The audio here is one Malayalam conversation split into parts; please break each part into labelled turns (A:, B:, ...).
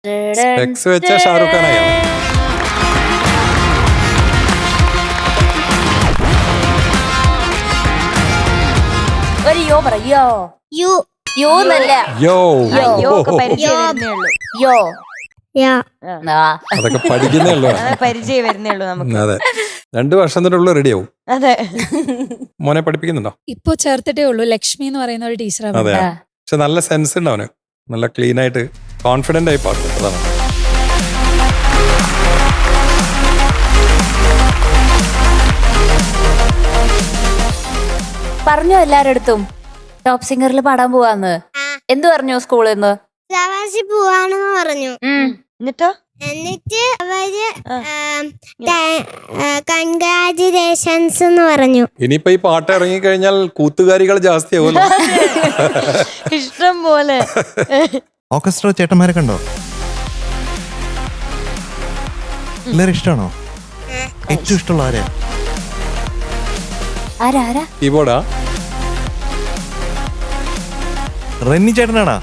A: സ്പെക്സ് വെച്ച ഷാറുഖ് ഖാനായോ?
B: ഒരു യോ പറയോ
C: യു
B: യോ എന്നല്ല
A: യോ
D: യോ ഒക്കെ പരിചയം വരുന്നേ ഉള്ളൂ.
B: യോ
C: യാ
A: അതൊക്കെ പഠിക്കുന്നേ ഉള്ളൂ.
D: അത് പരിചയം വരുന്നേ ഉള്ളൂ നമുക്ക്.
A: അതെ, 2 വർഷത്തിനുള്ളിൽ റെഡിയാവും.
D: അതെ,
A: മോനെ പഠിപ്പിക്കുന്നുണ്ടോ?
E: ഇപ്പൊ ചേർത്തിട്ടേ ഉള്ളൂ. ലക്ഷ്മി എന്ന് പറയുന്ന ഒരു ടീച്ചറാണ്.
A: അതെ, പക്ഷെ നല്ല സെൻസ് ഉണ്ട് അവന്. നല്ല ക്ലീൻ ആയിട്ട് കോൺഫിഡന്റ് ആയി പാടും. അതാണ്.
B: പറഞ്ഞോ എല്ലാരടുത്തും ടോപ്പ് സിംഗറിൽ പാടാൻ പോവാന്ന്. എന്ത് പറഞ്ഞു സ്കൂളിൽ നിന്ന്?
C: ഫ്ലവേഴ്സിൽ പോവാണെന്ന് പറഞ്ഞു.
D: എന്നിട്ടോ
C: എന്നിട്ട് അവര് കൺഗ്രാജുലേഷൻസ് എന്ന് പറഞ്ഞു.
A: ഇനിയിപ്പോ ഈ പാട്ട് ഇറങ്ങിക്കഴിഞ്ഞാൽ കൂത്തുകാരികൾ ജാസ്തിയാവും.
D: ഇഷ്ടം പോലെ.
F: ഓർക്കസ്ട്ര ചേട്ടന്മാരെ കണ്ടോ? എല്ലാരും ഇഷ്ടമാണോ? ഏറ്റവും ഇഷ്ടമുള്ള ആരെയാ?
B: ആരാ
A: കീബോർഡാ?
F: റെന്നി ചേട്ടനാണോ?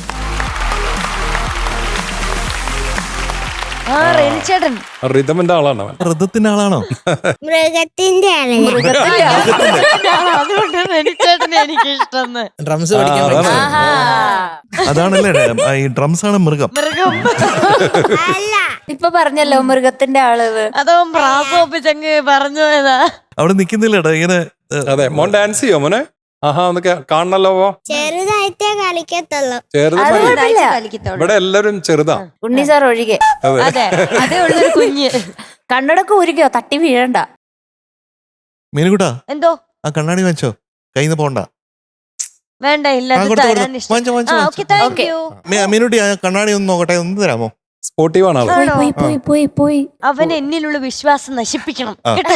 D: ആ റെനിച്ചേട്ടൻ
A: റിതമിന്റെ ആളാണ് അവൻ.
F: ഋതത്തിന്റെ ആളാണോ?
C: മൃഗത്തിന്റെ ആളല്ലേ?
D: അതുകൊണ്ട് റെനിച്ചേട്ടനെ എനിക്ക് ഇഷ്ടം.
G: ഡ്രംസ് പഠിക്കാൻ
F: അതാണല്ലേ ഈ ഡ്രംസ് ആണ് മൃഗം.
D: മൃഗം
C: അല്ല,
B: ഇപ്പൊ പറഞ്ഞല്ലോ മൃഗത്തിന്റെ ആള്.
D: അതോ പ്രാസം ഒപ്പിച്ചങ്ങ് പറഞ്ഞു പോയതാ.
F: അവിടെ നിക്കുന്നില്ലടാ ഇങ്ങനെ.
A: അതെ, മോൻ ഡാൻസ് ചെയ്യോ മോനെ? ആഹാ, ഒന്ന് കാണണല്ലോ.
C: ചെറുതായിട്ടേ കളിക്കത്തുള്ളൂ.
A: ചെറുത്
B: അത്
A: മതി.
B: കുഴപ്പമില്ല.
D: കളിക്കത്തുള്ളൂ.
A: ഇവിടെ എല്ലാരും ചെറുതാ.
B: ഉണ്ണി സാർ ഒഴികെ.
D: അതെ, അതേ ഉള്ളൊരു കുഞ്ഞ്.
B: കണ്ണടക്ക് ഊരിക്കോ, തട്ടി വീഴണ്ട.
F: മീനുകുട്ടാ,
D: എന്തോ
F: ആ കണ്ണാടി വാങ്ങിച്ചോ, കയ്യിന്ന് പോണ്ട.
D: വേണ്ട, ഇല്ല
F: ആ,
D: അത്
F: കൊടുത്തു,
D: തരാൻ
F: കൊടുത്തു.
D: ഇഷ്ടം.
F: വാങ്ങിച്ചോ, വാങ്ങിച്ചോ,
D: ആ,
F: വാങ്ങിച്ചോ.
D: Okay, thank
B: okay.
D: You.
F: Meenutty ആ കണ്ണാടി ഒന്ന് നോക്കട്ടെ, ഒന്ന് തരാമോ?
A: സ്പോർട്ടീവ് ആണ് ആള്.
D: ആണോ?
B: പോയി പോയി പോയി പോയി.
D: അവൻ എന്നിലുള്ള വിശ്വാസം നശിപ്പിക്കണം
F: ആ.
D: കേട്ടോ.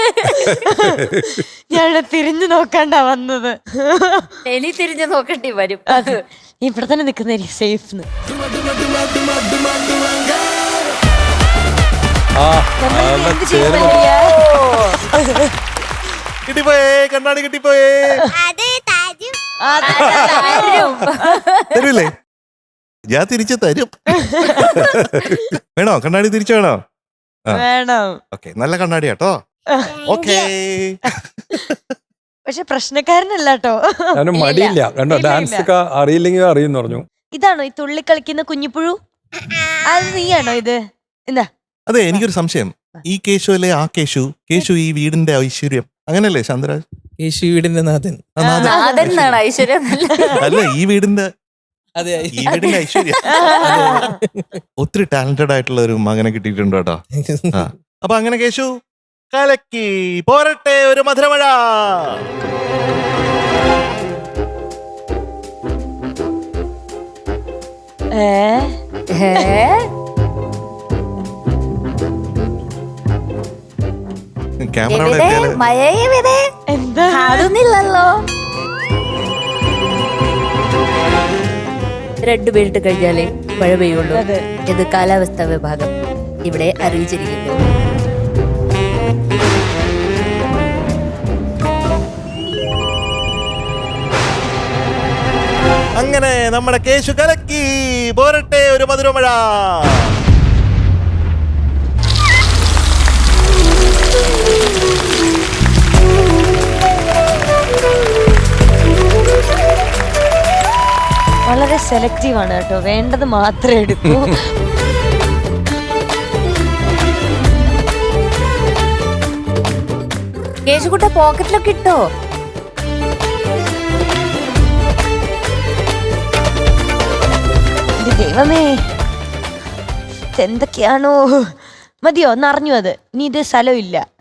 D: ഞാൻ തിരിഞ്ഞു നോക്കാണ്ടാ വന്നത്.
B: എലി തിരിഞ്ഞു നോക്കേണ്ടി വരും.
D: അത് ഇവിടെ തന്നെ നിക്കുന്ന സേഫ്.
A: ആ, നല്ല ചേർന്ന്.
F: കിട്ടിപ്പോയേ, കണ്ണാടി കിട്ടിപ്പോയേ.
C: അത് തരും.
F: തരൂല്ലേ? ഞാൻ തിരിച്ചു തരും. വേണോ കണ്ണാടി? തിരിച്ചു വേണോ?
D: വേണം.
F: ഓക്കെ, നല്ല കണ്ണാടി കേട്ടോ. ഓക്കേ.
D: പക്ഷെ പ്രശ്നക്കാരനല്ല കേട്ടോ.
A: അവന് മടിയില്ല. കണ്ടോ,
D: ഇല്ല,
A: ഡാൻസ്
D: ഇല്ല.
A: ഒക്കെ അറിയില്ലെങ്കിൽ അറിയുന്നു പറഞ്ഞു.
D: ഇതാണോ ഈ തുള്ളി കളിക്കുന്ന കുഞ്ഞിപ്പുഴു? അത് നീയാണോ ഇത്? എന്താ
F: അതെ, എനിക്കൊരു സംശയം. ഈ കേശു അല്ലേ ആ കേശു? കേശു ഈ വീടിന്റെ ഐശ്വര്യം അങ്ങനല്ലേ ശാന്തരാജ്?
G: യേശു വീടിന്റെ നാഥൻ.
F: ആ, നാഥൻ.
B: അതെന്നാണ് ഐശ്വര്യം?
F: അല്ല, ഈ വീടിന്റെ
G: അതെ,
F: ഈ വീടിന്റെ ഐശ്വര്യം. ഒത്തിരി ടാലന്റഡ് ആയിട്ടുള്ള ഒരു മകനെ കിട്ടിയിട്ടുണ്ട് കേട്ടോ. ആ. അപ്പൊ അങ്ങനെ കേശു കലക്കി പോരട്ടെ ഒരു മധുരമഴ. ക്യാമറ അവിടെ എത്തിയാല്
B: മഴയുടെ
D: എന്താ
B: കാണുന്നില്ലല്ലോ. രണ്ടുപേരിട്ട് കഴിഞ്ഞാലേ മഴ പെയ്യുള്ളൂ.
D: അതെ.
B: ഇത് കാലാവസ്ഥാ വിഭാഗം ഇവിടെ അറിയിച്ചിരിക്കുന്നു.
F: അങ്ങനെ നമ്മുടെ കേശു കലക്കി പോരട്ടെ ഒരു മധുരമഴ.
D: വളരെ സെലക്റ്റീവ് ആണ് കേട്ടോ. വേണ്ടത് മാത്രമേ എടുക്കൂ.
B: കേശുകുട്ട പോക്കറ്റിലൊക്കെ ഇട്ടോ?
D: എന്റെ ദൈവമേ, എന്തൊക്കെയാണോ. മതിയോ? നിറഞ്ഞു അത്. ഇനി ഇത് സ്ഥലമില്ല.